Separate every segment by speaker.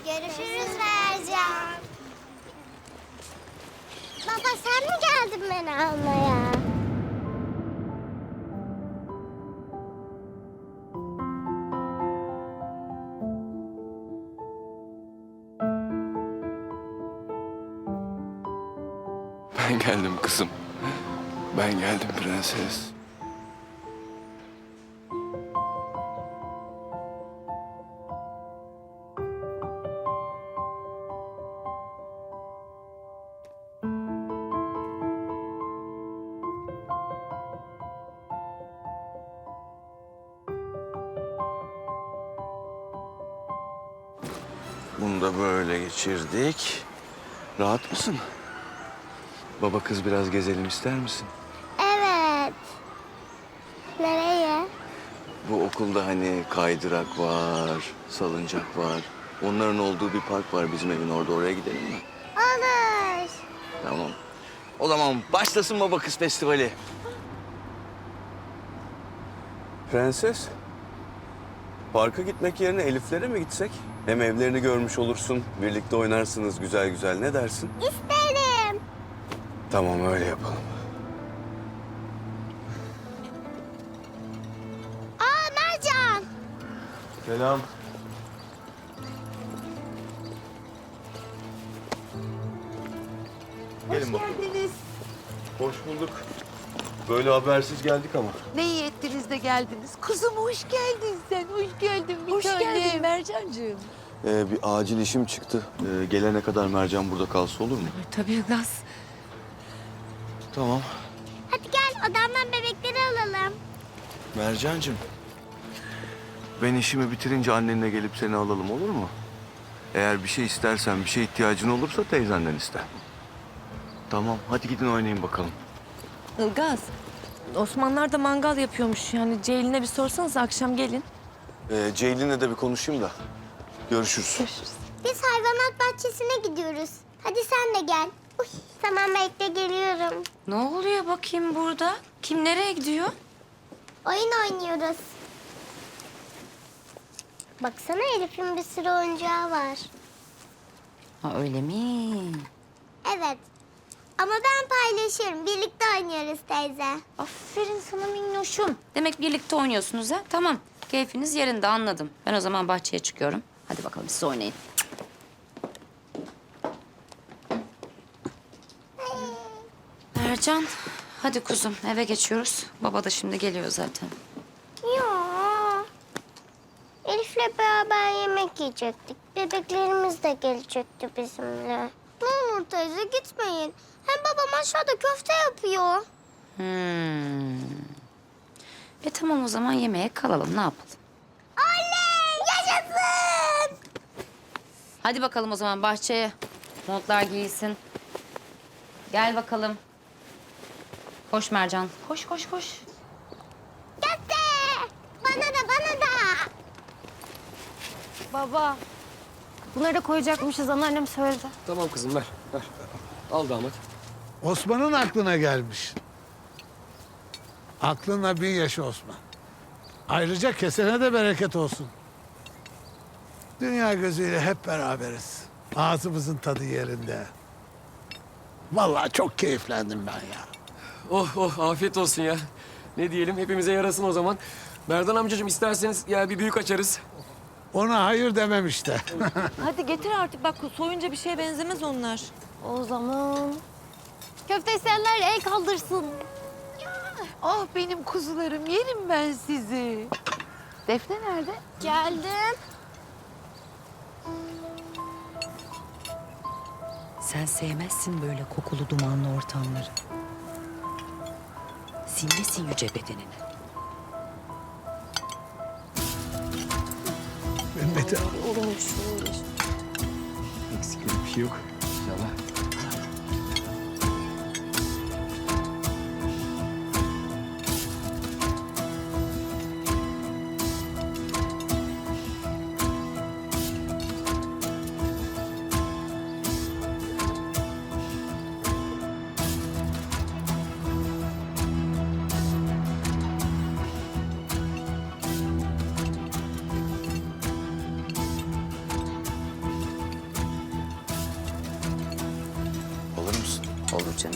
Speaker 1: Görüşürüz Mercan. Baba sen mi geldin beni almaya?
Speaker 2: Ben geldim kızım. Ben geldim prenses. Bunu da böyle geçirdik. Rahat mısın? Baba kız biraz gezelim ister misin?
Speaker 1: Evet. Nereye?
Speaker 2: Bu okulda hani kaydırak var, salıncak var. Onların olduğu bir park var bizim evin orada. Oraya gidelim mi?
Speaker 1: Olur.
Speaker 2: Tamam. O zaman başlasın Baba Kız Festivali. Prenses, parka gitmek yerine Elif'lere mi gitsek? Hem evlerini görmüş olursun, birlikte oynarsınız güzel güzel. Ne dersin?
Speaker 1: İsterim.
Speaker 2: Tamam, öyle yapalım.
Speaker 1: Aa Mercan.
Speaker 2: Selam. Gelin bakalım.
Speaker 3: Geldiniz.
Speaker 2: Hoş bulduk. Böyle habersiz geldik ama.
Speaker 3: Ne iyi ettiniz de geldiniz. Kuzum hoş geldin sen. Hoş geldin bir
Speaker 4: Hoş
Speaker 3: tanem.
Speaker 4: geldin Mercancığım.
Speaker 2: Bir acil işim çıktı. Gelene kadar Mercan burada kalsa olur mu?
Speaker 4: Tabii Ilgaz.
Speaker 2: Tamam.
Speaker 1: Hadi gel odamdan bebekleri alalım.
Speaker 2: Mercancığım. Ben işimi bitirince annenle gelip seni alalım olur mu? Eğer bir şey istersen, bir şey ihtiyacın olursa teyzenden iste. Tamam, hadi gidin oynayın bakalım.
Speaker 4: Ilgaz. Osmanlılar da mangal yapıyormuş. Yani Ceylin'e bir sorsanız akşam gelin.
Speaker 2: Ceylin'le de bir konuşayım da. Görüşürüz.
Speaker 1: Biz hayvanat bahçesine gidiyoruz. Hadi sen de gel. Uy, tamam bekle geliyorum.
Speaker 4: Ne oluyor bakayım burada? Kim nereye gidiyor?
Speaker 1: Oyun oynuyoruz. Baksana Elif'in bir sürü oyuncağı var.
Speaker 4: Ha öyle mi?
Speaker 1: Evet. Ama ben paylaşırım. Birlikte oynuyoruz teyze.
Speaker 4: Aferin sana minnoşum. Demek birlikte oynuyorsunuz ha? Tamam. Keyfiniz yerinde anladım. Ben o zaman bahçeye çıkıyorum. Hadi bakalım siz oynayın. Mercan, hadi kuzum eve geçiyoruz. Baba da şimdi geliyor zaten.
Speaker 1: Ya. Elif'le beraber yemek yiyecektik. Bebeklerimiz de gelecekti bizimle. Ne olur teyze gitmeyin. Hem babam aşağıda köfte yapıyor.
Speaker 4: Tamam o zaman yemeğe kalalım ne yapalım?
Speaker 1: Oley! Yaşasın!
Speaker 4: Hadi bakalım o zaman bahçeye. Montlar giyilsin. Gel bakalım. Koş Mercan. Koş koş koş.
Speaker 1: Köfte! Bana da bana da.
Speaker 5: Baba, bunları da koyacakmışız. Anneannem söyledi.
Speaker 6: Tamam kızım ver. Ver. Al damat.
Speaker 7: Osman'ın aklına gelmiş. Aklınla bin yaşı Osman. Ayrıca kesene de bereket olsun. Dünya gözüyle hep beraberiz. Ağzımızın tadı yerinde. Vallahi çok keyiflendim ben ya.
Speaker 6: Oh oh afiyet olsun ya. Ne diyelim hepimize yarasın o zaman. Merdan amcacığım isterseniz ya bir büyük açarız.
Speaker 7: Ona hayır demem işte.
Speaker 5: Hadi getir artık. Bak soyunca bir şeye benzemez onlar. O zaman... Köfte isteyenler el kaldırsın.
Speaker 3: Ah benim kuzularım yerim ben sizi. Defne nerede?
Speaker 1: Geldim.
Speaker 4: Sen sevmezsin böyle kokulu dumanlı ortamları. Sinmesin yüce bedenini.
Speaker 7: Mehmet'e
Speaker 6: Eksik bir şey yok. İnşallah.
Speaker 4: Olur canım.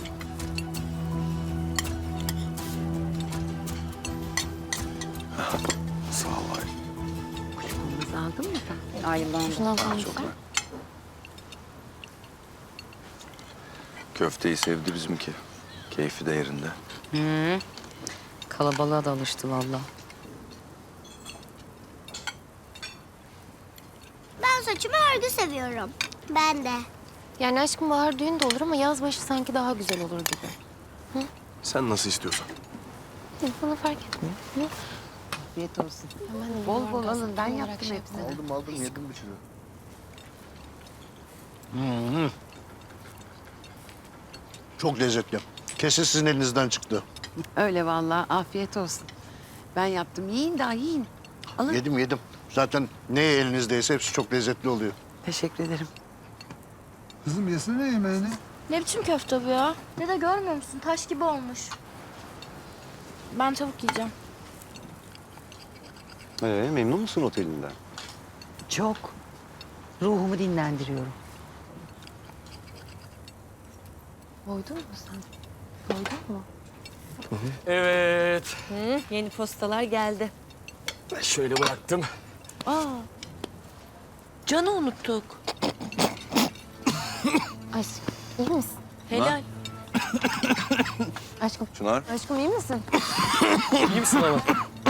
Speaker 2: Sağ ol Aylin.
Speaker 3: Kızımızı aldın mı sen?
Speaker 4: Ayılan.
Speaker 5: Şundan falan
Speaker 2: Çok ver. Köfteyi sevdi bizimki. Keyfi de yerinde.
Speaker 4: Kalabalığa da alıştı vallahi.
Speaker 1: Ben saçımı örgü seviyorum. Ben de.
Speaker 5: Yani aşkım bahar düğün de olur ama yaz başı sanki daha güzel olur gibi.
Speaker 8: Sen nasıl istiyorsan.
Speaker 5: Bana fark etmiyor. Hı?
Speaker 3: Afiyet olsun.
Speaker 5: Ben de
Speaker 3: Bol bol
Speaker 5: yuvarlak
Speaker 3: alın. Ben
Speaker 5: olarak
Speaker 3: yaptım
Speaker 5: şey
Speaker 3: hepsini.
Speaker 5: yapmadım.
Speaker 2: Aldım yedim bir sürü.
Speaker 8: Çok lezzetli. Kesin sizin elinizden çıktı.
Speaker 3: Öyle vallahi. Afiyet olsun. Ben yaptım. Yiyin daha yiyin. Alın.
Speaker 8: Yedim. Zaten ne elinizdeyse hepsi çok lezzetli oluyor.
Speaker 3: Teşekkür ederim.
Speaker 7: Kızım yesene yemeğini.
Speaker 9: Ne biçim köfte bu ya? Dede görmüyor musun? Taş gibi olmuş. Ben tavuk yiyeceğim.
Speaker 2: Memnun musun otelinden?
Speaker 3: Çok. Ruhumu dinlendiriyorum.
Speaker 5: Doydun mu sen? Doydun mu?
Speaker 6: Evet.
Speaker 5: Yeni postalar geldi.
Speaker 6: Ben şöyle bıraktım.
Speaker 5: Canı unuttuk. Aşkım iyi misin?
Speaker 6: Helal.
Speaker 5: Aşkım,
Speaker 2: Çınar.
Speaker 5: aşkım iyi misin?
Speaker 6: İyi misin ama?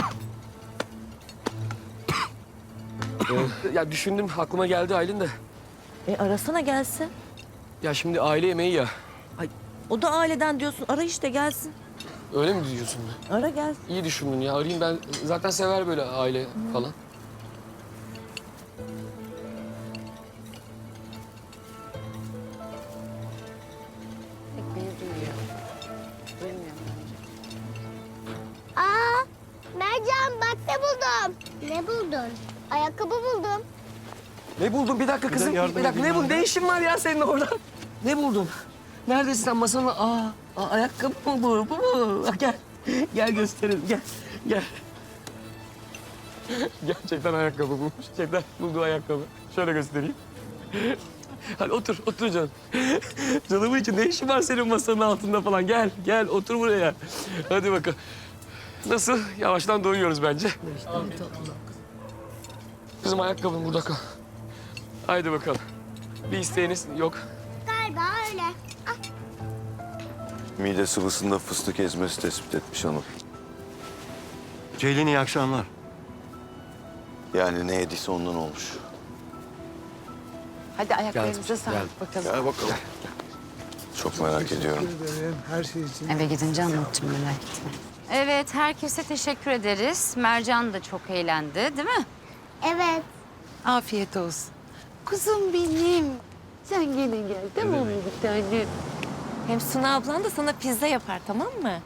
Speaker 6: Ya düşündüm, aklıma geldi Aylin de.
Speaker 10: Arasana gelsin.
Speaker 6: Ya şimdi aile yemeği ya.
Speaker 10: Ay, o da aileden diyorsun. Ara işte gelsin.
Speaker 6: Öyle mi diyorsun?
Speaker 10: Ara gelsin.
Speaker 6: İyi düşündün ya. Arayayım ben. Zaten sever böyle aile falan.
Speaker 1: Aa, Mercan bak ne buldum. Ne buldun? Ayakkabı buldum.
Speaker 6: Ne buldun? Bir dakika kızım.
Speaker 8: yardım
Speaker 6: Bir dakika.
Speaker 8: edeyim
Speaker 6: Ne buldun?
Speaker 8: ben
Speaker 6: Ne işin var ya senin orada? Ne buldun? Neredesin sen masanın? Ayakkabı mı bu? Bu mu? Gel. Gel gösterelim. Gel. Gel. Gerçekten ayakkabı bulmuş. Gerçekten bulduğu ayakkabı. Şöyle göstereyim. Hadi otur, otur canım. Canımın için ne işin var senin masanın altında falan? Gel, gel otur buraya. Hadi bakalım. Nasıl? Yavaştan doyuyoruz bence. Kızım ayakkabın burada kal. Haydi bakalım. Bir isteğiniz yok.
Speaker 1: Galiba öyle.
Speaker 2: Mide sıvısında fıstık ezmesi tespit etmiş hanım.
Speaker 8: Ceylin iyi akşamlar.
Speaker 2: Yani ne yediyse ondan olmuş.
Speaker 3: Hadi ayaklarınıza sağlık bakalım.
Speaker 2: Gel bakalım. Çok merak ediyorum.
Speaker 7: Teşekkür ederim her şey için.
Speaker 4: Eve gidince anlatacağım merak etme. Evet herkese teşekkür ederiz. Mercan da çok eğlendi değil mi?
Speaker 1: Evet.
Speaker 3: Afiyet olsun. Kuzum benim. Sen gene gel tamam mı bir tanem?
Speaker 5: Hem Suna ablan da sana pizza yapar tamam mı?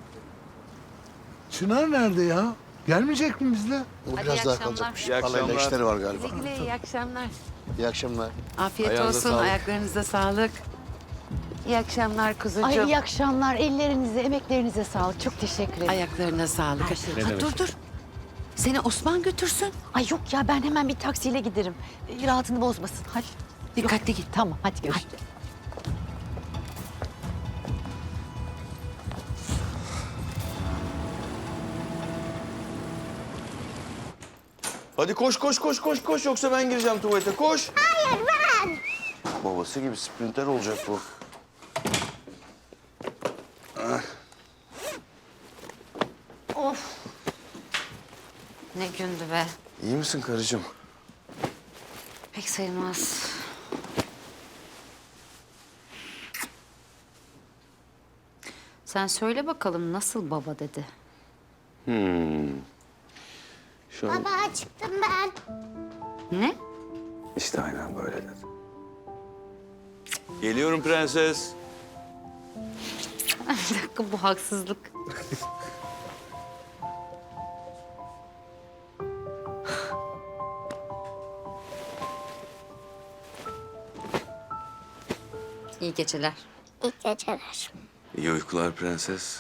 Speaker 7: Çınar nerede ya? Gelmeyecek mi bizle?
Speaker 8: O
Speaker 4: Hadi
Speaker 8: biraz
Speaker 4: iyi
Speaker 8: daha
Speaker 4: akşamlar.
Speaker 8: kalacakmış.
Speaker 2: İyi
Speaker 8: Halayla
Speaker 2: akşamlar.
Speaker 8: işleri var galiba.
Speaker 3: Güle güle iyi akşamlar.
Speaker 8: İyi akşamlar.
Speaker 3: Afiyet
Speaker 2: Ayağınıza
Speaker 3: olsun.
Speaker 2: sağlık.
Speaker 3: Ayaklarınıza sağlık. İyi akşamlar kuzucuğum.
Speaker 10: Ay iyi akşamlar. Ellerinize, emeklerinize sağlık. Çok teşekkür ederim.
Speaker 3: Ayaklarına sağlık. Ha, dur. Seni Osman götürsün.
Speaker 10: Ay yok ya ben hemen bir taksiyle giderim. Rahatını bozmasın. Hadi.
Speaker 3: Dikkatli git.
Speaker 10: Tamam hadi görüşürüz.
Speaker 2: Hadi koş yoksa ben gireceğim tuvalete koş.
Speaker 1: Hayır ben.
Speaker 2: Babası gibi sprinter olacak bu.
Speaker 4: Ne gündü be.
Speaker 2: İyi misin karıcığım?
Speaker 4: Pek sayılmaz. Sen söyle bakalım nasıl baba dedi.
Speaker 2: Şu an
Speaker 1: Baba çıktım ben.
Speaker 4: Ne?
Speaker 2: işte aynen böyle dedi. Geliyorum prenses.
Speaker 4: Bir dakika bu haksızlık. İyi geceler.
Speaker 1: İyi geceler.
Speaker 2: İyi uykular prenses.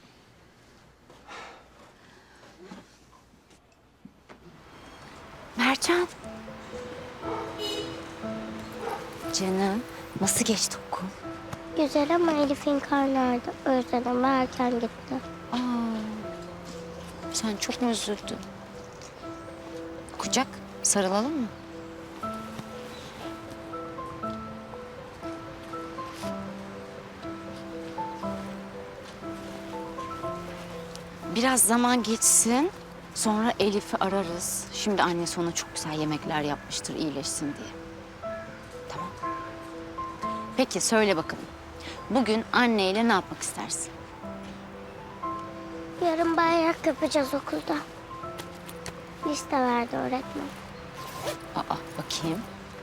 Speaker 3: Mert
Speaker 4: Mercan. Canım, nasıl geçti okul?
Speaker 1: Güzel ama Elif'in karnı ağrıdı. O yüzden ama erken gitti.
Speaker 4: Aa, sen çok mu üzüldün? Kucak, sarılalım mı? Biraz zaman geçsin. Sonra Elif'i ararız. Şimdi annesi ona çok güzel yemekler yapmıştır iyileşsin diye. Tamam. Peki söyle bakalım. Bugün anneyle ne yapmak istersin?
Speaker 1: Yarın bayrak yapacağız okulda. Liste verdi öğretmen.
Speaker 4: Aa, bakayım.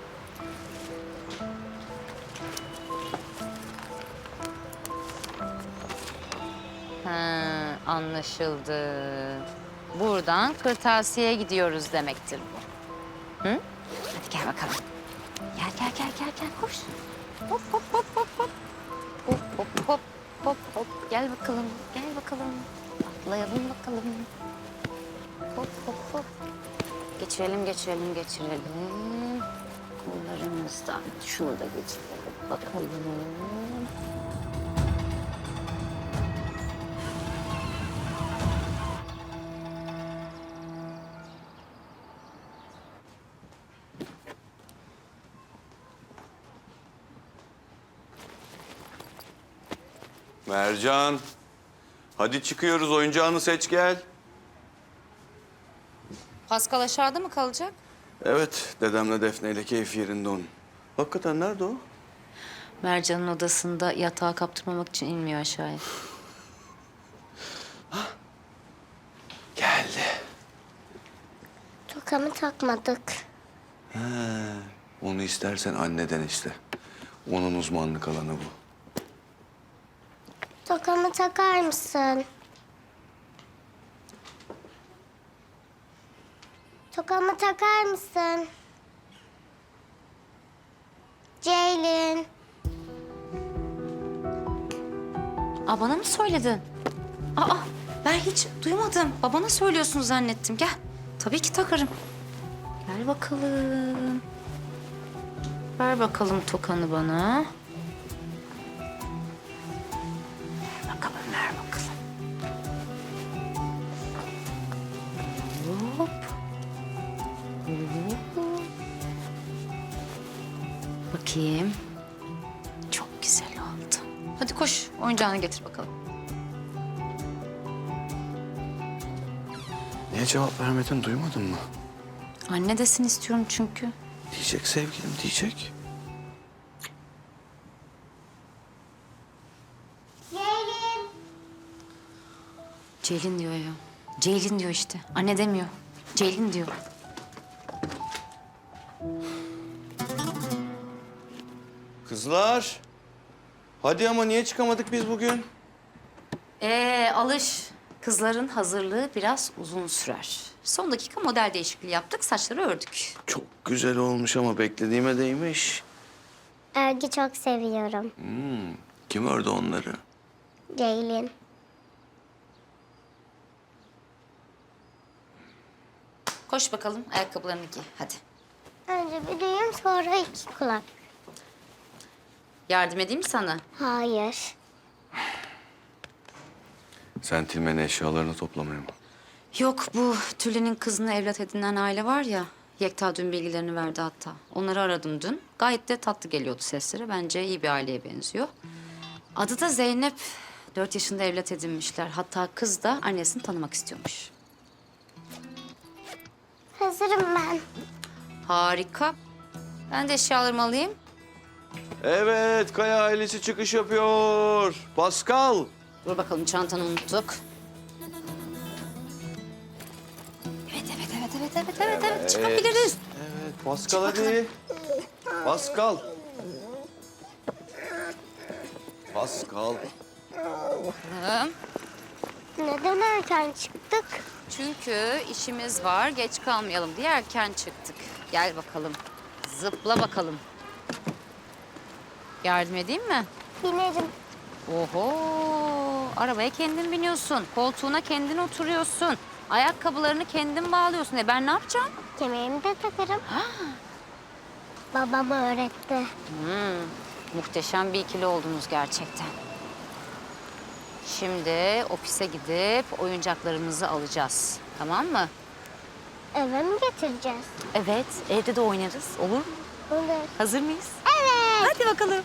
Speaker 4: Ha, anlaşıldı. Buradan kırtasiyeye gidiyoruz demektir bu. Hı? Hadi gel bakalım. Gel koş. Hop hop hop hop hop. Hop hop hop hop hop. Gel bakalım. Atlayalım bakalım. Hop hop hop. Geçirelim. Kollarımızdan şunu da geçirelim bakalım.
Speaker 2: Mercan. Hadi çıkıyoruz. Oyuncağını seç gel.
Speaker 4: Pascal aşağıda mı kalacak?
Speaker 2: Evet, dedemle Defne ile keyfi yerinde onun. Hakikaten nerede o?
Speaker 4: Mercan'ın odasında yatağa kaptırmamak için inmiyor aşağıya.
Speaker 2: Geldi.
Speaker 1: Tokamı takmadık.
Speaker 2: He, onu istersen anneden iste. Onun uzmanlık alanı bu.
Speaker 1: Tokamı takar mısın? Tokamı takar mısın? Ceylin.
Speaker 4: Aa, bana mı söyledin? Aa, ben hiç duymadım. Babana söylüyorsun zannettim. Gel. Tabii ki takarım. Gel bakalım. Ver bakalım tokanı bana. Ver bakalım. Hop. Bakayım. Çok güzel oldu. Hadi koş, oyuncağını getir bakalım.
Speaker 2: Niye cevap vermedin, duymadın mı?
Speaker 4: Anne desin istiyorum çünkü.
Speaker 2: Diyecek sevgilim, diyecek.
Speaker 1: Ceylin.
Speaker 4: Ceylin diyor ya. Ceylin diyor işte. Anne demiyor. Ceylin diyor.
Speaker 2: Kızlar. Hadi ama niye çıkamadık biz bugün?
Speaker 4: Alış. Kızların hazırlığı biraz uzun sürer. Son dakika model değişikliği yaptık, saçları ördük.
Speaker 2: Çok güzel olmuş ama beklediğime değmiş.
Speaker 1: Ergi çok seviyorum.
Speaker 2: Kim ördü onları?
Speaker 1: Ceylin.
Speaker 4: Koş bakalım, ayakkabılarını giy. Hadi.
Speaker 1: Önce bir düğüm sonra iki kulak.
Speaker 4: Yardım edeyim mi sana?
Speaker 1: Hayır.
Speaker 2: Sen Tilmen'in eşyalarını toplamaya mı?
Speaker 4: Yok, bu Tülin'in kızını evlat edinen aile var ya. Yekta dün bilgilerini verdi hatta. Onları aradım dün. Gayet de tatlı geliyordu sesleri. Bence iyi bir aileye benziyor. Adı da Zeynep. 4 yaşında evlat edinmişler. Hatta kız da annesini tanımak istiyormuş.
Speaker 1: Hazırım ben.
Speaker 4: Harika. Ben de eşyalarımı alayım.
Speaker 2: Evet, Kaya ailesi çıkış yapıyor. Pascal.
Speaker 4: Dur bakalım, çantanı unuttuk. Evet. Çıkabiliriz.
Speaker 2: Evet, Pascal hadi. Pascal. Pascal.
Speaker 1: Neden erken çıktık?
Speaker 4: Çünkü işimiz var, geç kalmayalım diye erken çıktık. Gel bakalım, zıpla bakalım. Yardım edeyim mi?
Speaker 1: Binerim.
Speaker 4: Oho, arabaya kendin biniyorsun, koltuğuna kendin oturuyorsun. Ayakkabılarını kendin bağlıyorsun. Ben ne yapacağım?
Speaker 1: Kemerimi de takarım. Babam öğretti.
Speaker 4: Muhteşem bir ikili oldunuz gerçekten. Şimdi ofise gidip oyuncaklarımızı alacağız. Tamam mı?
Speaker 1: Eve mi getireceğiz?
Speaker 4: Evet, evde de oynarız. Olur mu?
Speaker 1: Olur.
Speaker 4: Hazır mıyız?
Speaker 1: Evet.
Speaker 4: Hadi bakalım.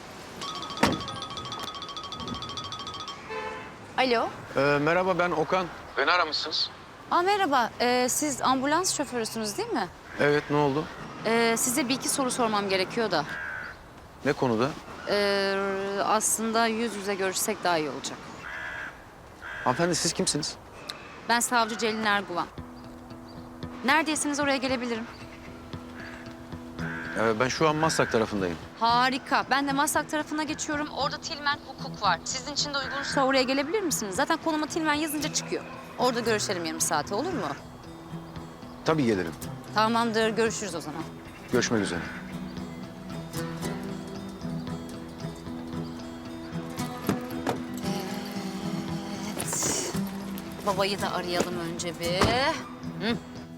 Speaker 4: Alo.
Speaker 6: Merhaba, ben Okan. Beni aramışsınız.
Speaker 4: Merhaba. Siz ambulans şoförüsünüz değil mi?
Speaker 6: Evet, ne oldu?
Speaker 4: Size bir iki soru sormam gerekiyor da.
Speaker 6: Ne konuda?
Speaker 4: Aslında yüz yüze görüşsek daha iyi olacak.
Speaker 6: Hanımefendi siz kimsiniz?
Speaker 4: Ben savcı Celin Erguvan. Neredeyseniz oraya gelebilirim.
Speaker 6: Ben şu an Maslak tarafındayım.
Speaker 4: Harika. Ben de Maslak tarafına geçiyorum. Orada Tilmen Hukuk var. Sizin için de uygunsa oraya gelebilir misiniz? Zaten konuma Tilmen yazınca çıkıyor. Orada görüşelim yarım saate, olur mu?
Speaker 6: Tabii gelirim.
Speaker 4: Tamamdır. Görüşürüz o zaman.
Speaker 6: Görüşmek üzere.
Speaker 4: Evet. Babayı da arayalım önce bir. Hı.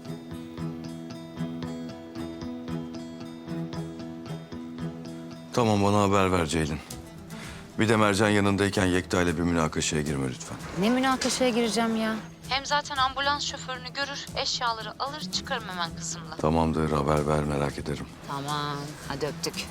Speaker 2: Tamam, bana haber ver Ceylin. Bir de Mercan yanındayken Yekta ile bir münakaşaya girme lütfen.
Speaker 4: Ne münakaşaya gireceğim ya? Hem zaten ambulans şoförünü görür, eşyaları alır, çıkarım hemen kızımla.
Speaker 2: Tamamdır, haber ver, merak ederim.
Speaker 4: Tamam, hadi öptük.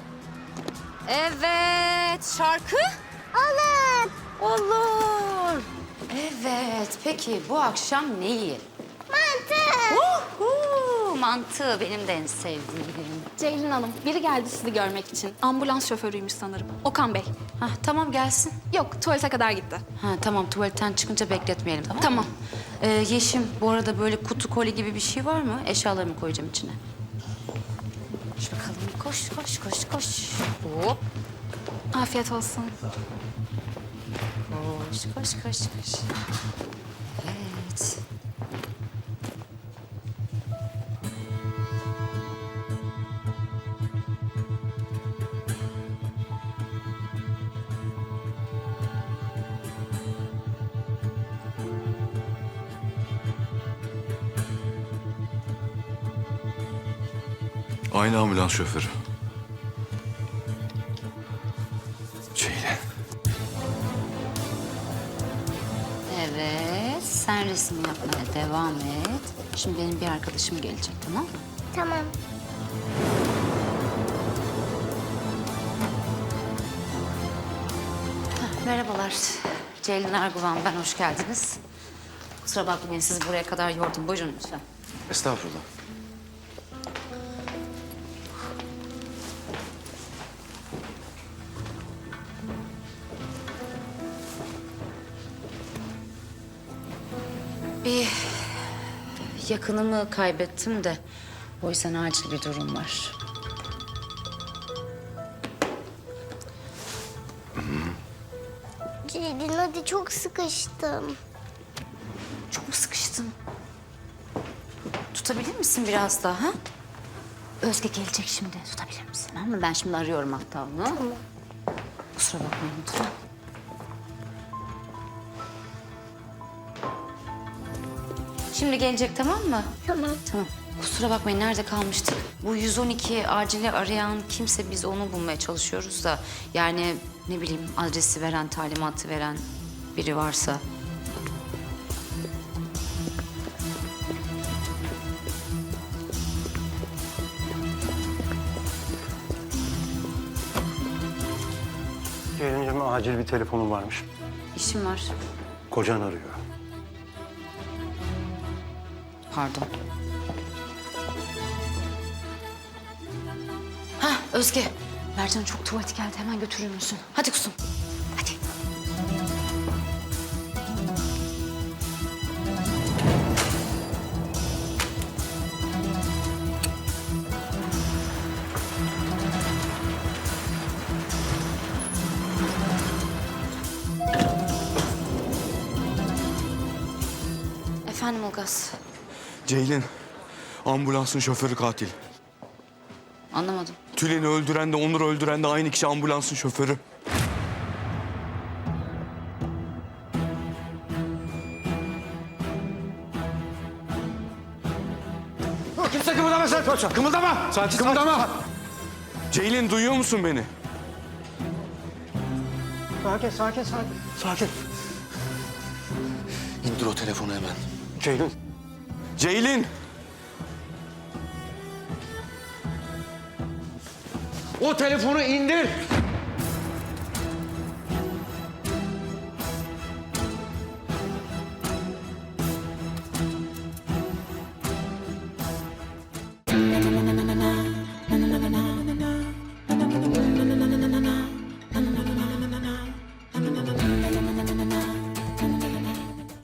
Speaker 4: Evet, şarkı?
Speaker 1: Olur.
Speaker 4: Olur. Evet, peki bu akşam ne yiyelim?
Speaker 1: Mantı.
Speaker 4: Mantı benim de en sevdiğim.
Speaker 9: Ceylin Hanım, biri geldi sizi görmek için. Ambulans şoförüymüş sanırım. Okan Bey.
Speaker 4: Hah, tamam gelsin.
Speaker 9: Yok, tuvalete kadar gitti.
Speaker 4: Ha, tamam, tuvaletten çıkınca bekletmeyelim, tamam mı?
Speaker 9: Tamam.
Speaker 4: Yeşim, bu arada böyle kutu koli gibi bir şey var mı? Eşyalarımı koyacağım içine. Koş bakalım, koş, koş, koş, koş. Hop.
Speaker 9: Afiyet olsun.
Speaker 4: Koş, koş, koş, koş. Evet.
Speaker 2: Aynı ambulans şoförü. Ceylin.
Speaker 4: Evet, sen resim yapmaya devam et. Şimdi benim bir arkadaşım gelecek, tamam mı?
Speaker 1: Tamam.
Speaker 4: Merhabalar. Ceylin Erguvan, ben hoş geldiniz. Kusura bakmayın, sizi buraya kadar yordum. Buyurun lütfen.
Speaker 6: Estağfurullah.
Speaker 4: Bir yakınımı kaybettim de o yüzden acil bir durum var.
Speaker 1: Ceylin hadi, çok sıkıştım.
Speaker 4: Çok mu sıkıştın? Tutabilir misin biraz daha? Ha? Özge gelecek şimdi. Tutabilir misin? Tamam mı? Ben şimdi arıyorum hatta onu. Tamam. Kusura bakmayın lütfen. Şimdi gelecek, tamam mı?
Speaker 1: Tamam.
Speaker 4: Tamam. Kusura bakmayın, nerede kalmıştık? Bu 112 acili arayan kimse, biz onu bulmaya çalışıyoruz da. Yani ne bileyim, adresi veren, talimatı veren biri varsa.
Speaker 11: Ceylin'cim acil bir telefonum varmış.
Speaker 4: İşim var.
Speaker 11: Kocan arıyor.
Speaker 4: Pardon. Hah, Özge. Mercan'ın çok tuvaleti geldi. Hemen götürür müsün? Hadi kuzum. Hadi. Efendim Ilgaz.
Speaker 2: Ceylin, ambulansın şoförü katil.
Speaker 4: Anlamadım.
Speaker 2: Tülin'i öldüren de Onur'u öldüren de aynı kişi, ambulansın şoförü.
Speaker 6: Kimse kımıldama sen. Kımıldama. Sakin, kımıldama. Ceylin duyuyor musun beni?
Speaker 11: Sakin.
Speaker 6: İndir o telefonu hemen.
Speaker 11: Ceylin.
Speaker 6: Ceylin. O telefonu indir.